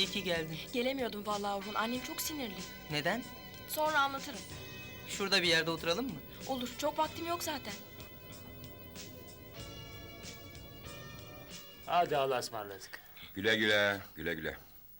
İyi ki geldin. Gelemiyordum vallahi Orhun. Annem çok sinirli. Neden? Sonra anlatırım. Şurada bir yerde oturalım mı? Olur. Çok vaktim yok zaten. Hadi Allah'a ısmarladık. Güle güle, güle güle.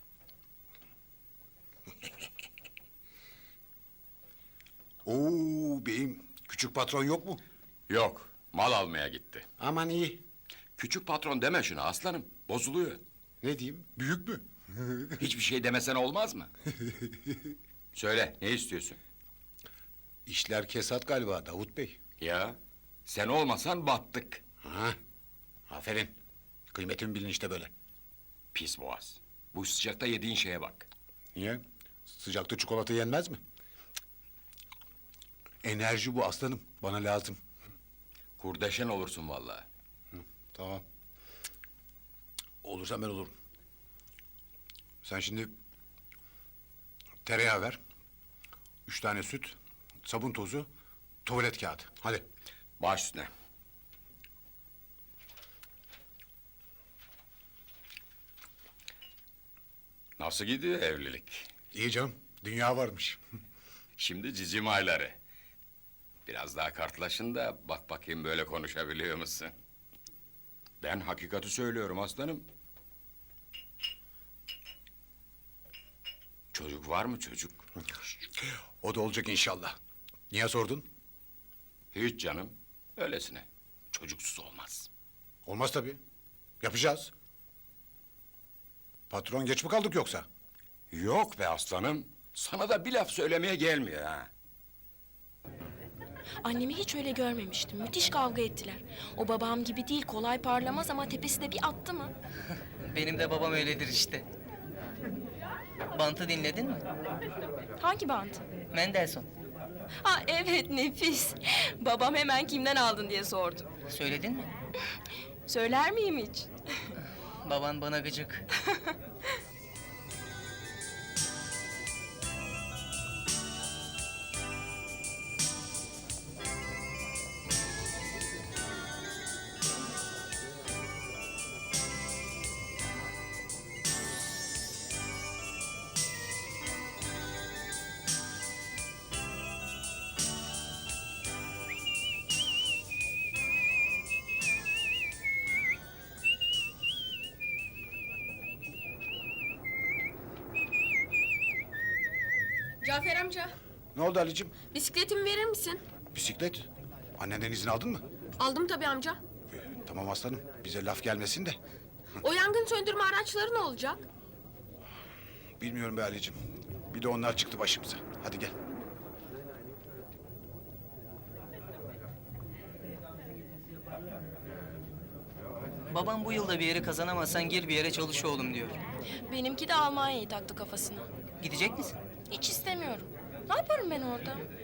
Oo beyim, küçük patron yok mu? Yok, mal almaya gitti. Aman iyi. Küçük patron deme şuna aslanım, bozuluyor. Ne diyeyim, büyük mü? Hiçbir şey demesen olmaz mı? Söyle, ne istiyorsun? İşler kesat galiba Davut Bey. Ya, sen olmasan battık. Ha, aferin. Kıymetimi bilin işte böyle. Pis boğaz. Bu sıcakta yediğin şeye bak. Niye? Sıcakta çikolata yenmez mi? Enerji bu aslanım, bana lazım. Kurdeşen olursun vallahi. Tamam. Olursa ben olurum. Sen şimdi tereyağı ver. 3 tane süt, sabun tozu, tuvalet kağıdı. Hadi. Baş üstüne. Nasıl gidiyor evlilik? İyi canım, dünya varmış. Şimdi cicim ayları. Biraz daha kartlaşın da bak bakayım böyle konuşabiliyor musun? Ben hakikati söylüyorum aslanım. Çocuk var mı çocuk? O da olacak inşallah. Niye sordun? Hiç canım. Öylesine. Çocuksuz olmaz. Olmaz tabii. Yapacağız. Patron geç mi kaldık yoksa? Yok be aslanım. Sana da bir laf söylemeye gelmiyor ha. Annemi hiç öyle görmemiştim. Müthiş kavga ettiler. O babam gibi değil, kolay parlamaz ama tepesi de bir attı mı? Benim de babam öyledir işte. Bantı dinledin mi? Hangi bant? Mendelssohn. Ha evet, nefis. Babam hemen kimden aldın diye sordu. Söyledin mi? Söyler miyim hiç? Baban bana gıcık. Cafer amca, Ne oldu Ali'cim? bisikletimi verir misin? Bisiklet. Annenden izin aldın mı? Aldım tabii amca. Tamam aslanım, bize laf gelmesin de. O yangın söndürme araçları ne olacak? Bilmiyorum be Ali'cim. Bir de onlar çıktı başımıza. Hadi gel. Babam bu yılda bir yeri kazanamazsan gir bir yere çalış oğlum diyor. Benimki de Almanya'yı taktı kafasına. Gidecek misin? Hiç istemiyorum. Ne yaparım ben orada?